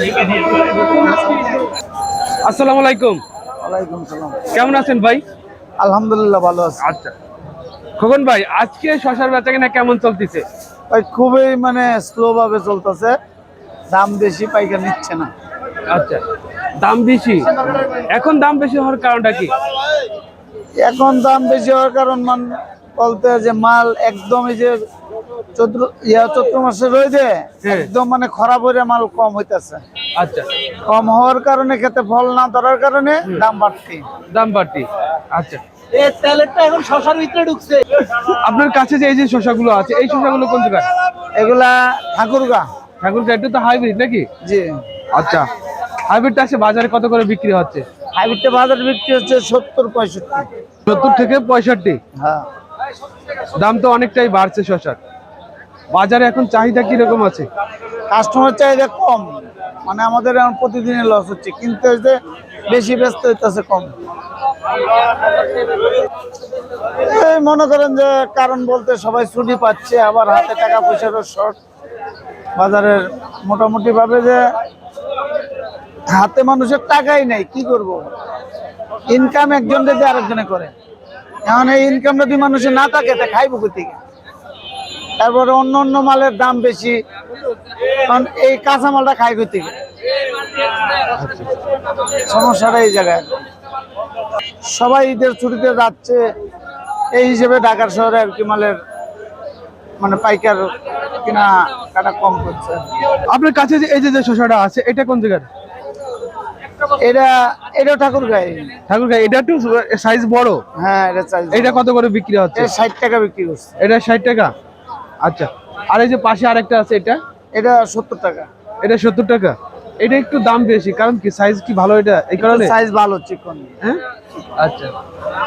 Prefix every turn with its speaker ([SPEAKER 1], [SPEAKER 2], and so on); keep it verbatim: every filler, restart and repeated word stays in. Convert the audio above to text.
[SPEAKER 1] আসসালামু আলাইকুম।
[SPEAKER 2] ওয়ালাইকুম সালাম।
[SPEAKER 1] কেমন আছেন ভাই?
[SPEAKER 2] আলহামদুলিল্লাহ ভালো আছি।
[SPEAKER 1] আচ্ছা খোকন ভাই, আজকে শশার বেচাকেনা কেমন চলতেছে?
[SPEAKER 2] ভাই খুবই মানে স্লো ভাবে চলতেছে, দাম বেশি, পাইকার নিচ্ছে না।
[SPEAKER 1] আচ্ছা, দাম বেশি। এখন দাম বেশি হওয়ার কারণটা কি?
[SPEAKER 2] এখন দাম বেশি হওয়ার কারণ মান বলতে যে মাল একদম এই যে চৈত্র ইয়া চৈত্র মাসে রয়েছে একদম মানে খরাব হয়ে মাল কম হইতেছে।
[SPEAKER 1] আচ্ছা,
[SPEAKER 2] কম হওয়ার কারণে খেতে ফল না ধরার কারণে দাম বাড়তি
[SPEAKER 1] দাম বাড়তি। আচ্ছা,
[SPEAKER 2] এই তেলেরটা এখন শশার ভিতরে ঢুকছে।
[SPEAKER 1] আপনার কাছে যে এই যে শশাগুলো আছে, এই শশাগুলো কোন জায়গায়?
[SPEAKER 2] এগুলা ঠাকুরগা।
[SPEAKER 1] ঠাকুরগাঁ, এটা তো হাইব্রিড নাকি?
[SPEAKER 2] জি।
[SPEAKER 1] আচ্ছা, হাইব্রিডটা আসে বাজারে কত করে বিক্রি হচ্ছে?
[SPEAKER 2] হাইব্রিডটা বাজারে বিক্রি হচ্ছে সত্তর পঁয়ষট্টি।
[SPEAKER 1] সত্তর থেকে পঁয়ষট্টি।
[SPEAKER 2] হ্যাঁ,
[SPEAKER 1] দাম তো অনেকটাই বাড়ছে শশার। বাজারে এখন চাহিদা কিরকম আছে?
[SPEAKER 2] কাস্টমার চাহিদা কম, মানে আমাদের এখন প্রতিদিনই লস হচ্ছে, কিনতে হচ্ছে বেশি, ব্যস্ত হইতেছে কম। এই মনে করেন যে কারণ বলতে সবাই ছুটি পাচ্ছে, আবার হাতে টাকা পয়সারও শর্ট। বাজারের মোটামুটি ভাবে যে হাতে মানুষের টাকাই নেই, কি করব? ইনকাম একজন যদি আরেকজনে করে, এখন এই ইনকাম যদি মানুষের না থাকে তা খাইব কোথা থেকে? তারপরে অন্য অন্য মালের দাম বেশি, কারণ এই কাঁচা মালটা খাই কোথা থেকে? সমস্যাটা এই জায়গায়। সবাই ঈদের ছুটিতে যাচ্ছে, এই হিসেবে ঢাকার শহরে আর কি মালের মানে পাইকার কিনা কাটা কম করছে।
[SPEAKER 1] আপনার কাছে যে এই যে যে শশাটা আছে, এটা কোন জায়গার?
[SPEAKER 2] এটা এটাও ঠাকুরগাঁও।
[SPEAKER 1] ঠাকুরগাঁ, এটা একটু সাইজ বড়।
[SPEAKER 2] হ্যাঁ, এটা চাই।
[SPEAKER 1] এটা কত করে বিক্রি হচ্ছে?
[SPEAKER 2] ষাট টাকা বিক্রি করছে।
[SPEAKER 1] এটা ষাট টাকা। আচ্ছা, আর এই যে পাশে আরেকটা আছে, এটা
[SPEAKER 2] এটা সত্তর টাকা।
[SPEAKER 1] এটা সত্তর টাকা। এটা একটু দাম বেশি, কারণ কি সাইজ কি ভালো এটা, এই কারণে
[SPEAKER 2] সাইজ ভালো, চিকন।
[SPEAKER 1] হ্যাঁ, আচ্ছা।